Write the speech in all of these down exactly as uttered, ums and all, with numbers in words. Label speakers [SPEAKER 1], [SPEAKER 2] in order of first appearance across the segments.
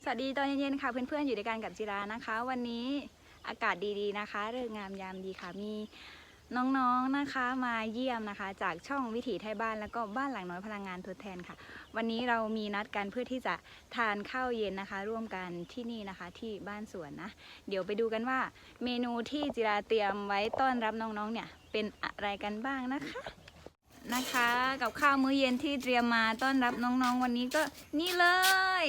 [SPEAKER 1] สวัสดีตอนเย็นๆค่ะเพื่อนๆอยู่ด้วยกันกับจิรานะคะ วันนี้อากาศดีๆนะคะฤกษ์งามยามดีค่ะมีน้องๆนะคะมาเยี่ยมนะคะจากช่องวิถีไทยบ้านแล้วก็บ้านหลังน้อยพลังงานทดแทนค่ะวันนี้เรามีนัดกันเพื่อที่จะทานข้าวเย็นนะคะร่วมกันที่นี่นะคะที่บ้านสวนนะเดี๋ยวไปดูกันว่าเมนูที่จิราเตรียมไว้ต้อนรับน้องๆเนี่ยเป็นอะไรกันบ้างนะคะนะคะกับข้าวมื้อเย็นที่เตรียมมาต้อนรับน้องๆวันนี้ก็นี่เลย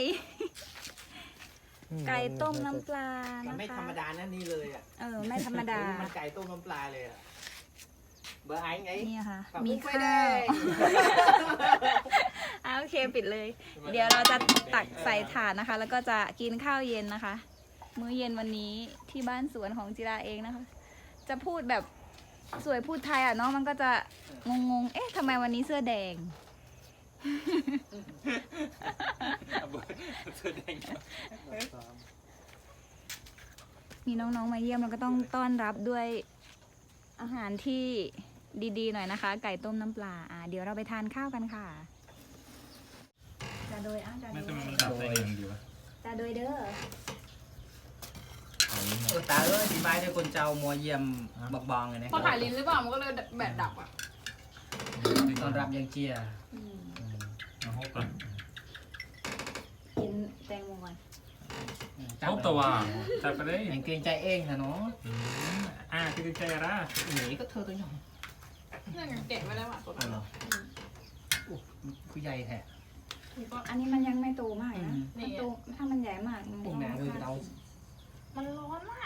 [SPEAKER 1] ไก่ต้มน้ำปลานะคะ
[SPEAKER 2] ไม่ธรรมดานะนี่เลยอ่ะ
[SPEAKER 1] เออไม่ธรรมดา
[SPEAKER 2] มันไก่ต้มน้ำปลาเลยอ่ะเบอร์ไอ้ไง
[SPEAKER 1] นี่ค่ะ
[SPEAKER 2] มี
[SPEAKER 1] มี
[SPEAKER 2] ข้า
[SPEAKER 1] ข้าว วอ่าโอเคปิดเลย เดี๋ยวเราจะตักใส่ถาดนะคะ แล้วก็จะกินข้าวเย็นนะคะ มื้อเย็นวันนี้ที่บ้านสวนของจิราเองนะคะ จะพูดแบบสวยพูดไทยอ่ะเนาะมันก็จะงงๆเอ๊ะทำไมวันนี้เสื้อแดงมีน้องๆมาเยี่ยมเราก็ต้องต้อนรับด้วยอาหารที่ดีๆหน่อยนะคะ ไก่ต้มน้ำปลาอ่าเดี๋ยวเราไปทานข้าวกันค่ะจะโดยอ้าวจะโด
[SPEAKER 3] ไม่
[SPEAKER 1] ย
[SPEAKER 3] ทำไมมันดับได้เองดีวะ
[SPEAKER 1] จะโดยเด้อ
[SPEAKER 3] เอานี้หน่
[SPEAKER 2] เอ
[SPEAKER 3] อย
[SPEAKER 2] อตาเอ้ยดีไม้ด้วยคนเจ้ามัวเยี่ยมบักบองเลยนะ
[SPEAKER 4] พอถ่ายลิ้นหรือเปล่ามันก็เลยแบตดับอ่ะ
[SPEAKER 2] ต้อนรับยังเจีย
[SPEAKER 1] อืม
[SPEAKER 3] เอาฮบก่อน
[SPEAKER 1] กินแตงโมก่อน
[SPEAKER 3] ฮบตัวจับไปเลย
[SPEAKER 2] ยังเกรงใจเองนะเนาะ
[SPEAKER 3] อืมอ่าคือใจอะไร
[SPEAKER 2] หนีก็เธอตัวหน่อย
[SPEAKER 4] นั่นไงเก็บไว้แล้วอ่ะตัว
[SPEAKER 2] เอา
[SPEAKER 4] นั้น
[SPEAKER 2] เหรออุ๊ยคือใหญ่แท้
[SPEAKER 4] ก็
[SPEAKER 1] อันนี้มันยังไม่โตมากนะ
[SPEAKER 2] อืม
[SPEAKER 1] มันโตถ้ามันใหญ่มากมัน
[SPEAKER 2] พวกแม่คือเรา
[SPEAKER 4] มันร้อนมาก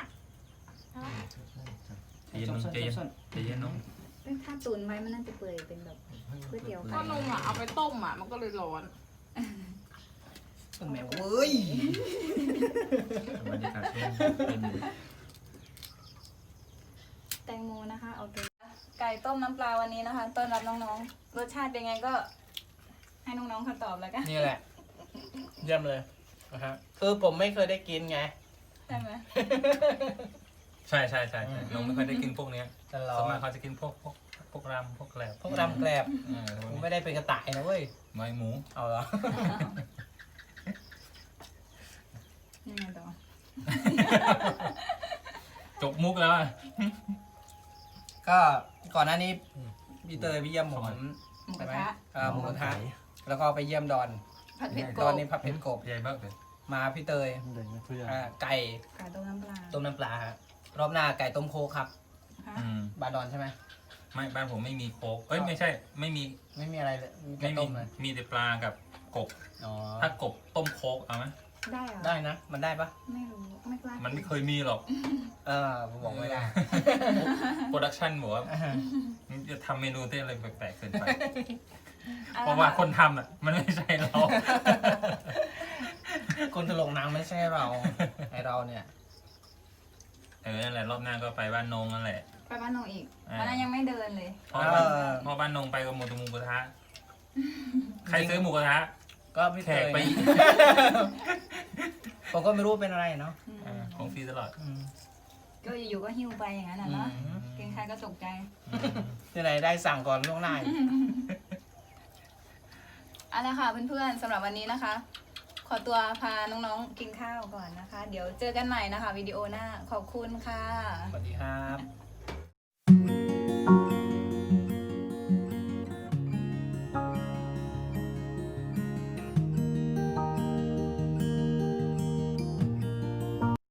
[SPEAKER 3] ใจเย็นน้องใจเย็นใจเย็นน้อง
[SPEAKER 1] ถ้าตุนไว้มันน่าจะเปื่อยเป็นแบบก๋วยเตี๋ยว
[SPEAKER 4] ก็
[SPEAKER 1] ไก่
[SPEAKER 4] นมอ่ะเอาไปต้มอ่ะมันก็เลยร้อน
[SPEAKER 2] พวกแม่เว้ย
[SPEAKER 3] บรรยากาศเป็นเป็น
[SPEAKER 1] แตงโมนะคะโอเคไก่ต้มน้ำปลาวันนี้นะคะต้อนรับน้องๆรสชาติเป็นไงก็ ให้น้องๆเขาตอบแล้วกัน
[SPEAKER 2] นี่แหละเยี่ยมเลยนะฮะคือผมไม่เคยได้กินไง
[SPEAKER 1] ใช่ไหม
[SPEAKER 3] ใช่ใช่ใช่ใช่น้องไม่ค่อยได้กินพวกเนี้ย
[SPEAKER 2] ตลอ
[SPEAKER 3] ส่วน
[SPEAKER 2] ด
[SPEAKER 3] มากเขาจะกินพวกพวกพวกรำพวกแกลบ
[SPEAKER 2] พวกรำแกลบ
[SPEAKER 3] เออ
[SPEAKER 2] ผมไม่ได้เป็นกระต่ายนะเว้ย
[SPEAKER 3] ไม้หมู
[SPEAKER 2] เอาเหรอ
[SPEAKER 1] ยังไงต่อ
[SPEAKER 3] จบมุกแล้วอะ
[SPEAKER 2] ก็ก่อนหน้านี้
[SPEAKER 3] อืม
[SPEAKER 2] พี่เตยพี่เยี่ยมผม
[SPEAKER 1] หมูก
[SPEAKER 2] ใช่
[SPEAKER 1] ระ
[SPEAKER 2] ไหม
[SPEAKER 1] ทะ
[SPEAKER 2] อ่าหมูกระทะแล้วก็ไปเยี่ยมดอน
[SPEAKER 4] ผัดเผ็ดก
[SPEAKER 2] ดอน
[SPEAKER 4] บ
[SPEAKER 2] นี่พับเพชรกบ
[SPEAKER 3] ใหญ่มากเลย
[SPEAKER 2] มาพี่เตย
[SPEAKER 5] เด็กนะทุกอย่าง
[SPEAKER 2] อ่าไก่
[SPEAKER 1] ไก่ต้มน้ำปลา
[SPEAKER 2] ต้มน้ำปลาฮะรอบหน้าไก่ต้มโคกครับ
[SPEAKER 1] ค่ะ
[SPEAKER 3] อืม
[SPEAKER 2] บาดอนใช่ไหม
[SPEAKER 3] ไม่บ้านผมไม่มีโค้กเอ้ยไม่ใช่ ไม่มี
[SPEAKER 2] ไม่มีอะไรเลยมีแค่
[SPEAKER 3] ไม่มี
[SPEAKER 2] ต้มเลย
[SPEAKER 3] มีแต่ปลากับกบ
[SPEAKER 2] อ๋อ
[SPEAKER 3] ถ้ากบต้มโค้กเอาไหม
[SPEAKER 1] ได้เหรอ
[SPEAKER 2] ได้นะ มันได้ปะ
[SPEAKER 1] ไม่รู้ไม่กล้า
[SPEAKER 3] มันไม่เคยมีหรอก
[SPEAKER 2] เออผมบอกไม่ได้
[SPEAKER 3] โปรดักชันบอกว่า
[SPEAKER 2] อ่า
[SPEAKER 3] จะทำเมนูที่อะไรแปลกๆเกินไป
[SPEAKER 1] อ
[SPEAKER 3] เพราะว่าคนทำอ่ะ มันไม่ใช่เรา
[SPEAKER 2] คนตลกหนังไม่ใช่เราไอเราเนี่ย
[SPEAKER 3] เออนั่นแหละรอบหน้าก็ไปบ้านนงนั่นแหละ
[SPEAKER 1] ไปบ้านนงอีก
[SPEAKER 3] อ่า
[SPEAKER 1] วันนั้นยังไม่เดินเลย
[SPEAKER 3] เพราะบ้านเพราะบ้านนงไปกับหมูตะมูกระทะ ใครซื้อหมูกระทะ
[SPEAKER 2] ก็พี่
[SPEAKER 3] แข
[SPEAKER 2] เต
[SPEAKER 3] ก
[SPEAKER 2] ย
[SPEAKER 3] ไป
[SPEAKER 2] ผมก็ไม่รู้เป็นอะไรเนาะ
[SPEAKER 1] อืม
[SPEAKER 3] อ่าของฟรีตลอด
[SPEAKER 2] อืม
[SPEAKER 1] ก็อยู่ๆก็หิ้วไปอย่างนั้นน่ะเนาะ
[SPEAKER 2] อืม
[SPEAKER 1] เกรงใครก็ตกใจ
[SPEAKER 2] ที่ไหนได้สั่งก่อนล่วงหน้าอีก
[SPEAKER 1] เอาละค่ะเพื่อนๆสำหรับวันนี้นะคะ ขอตัวพาน้องๆกินข้าวก่อนนะคะ เดี๋ยวเจอกันใหม่นะคะวิดีโอหน้าขอบคุณค่ะ
[SPEAKER 2] สวัสดีครับ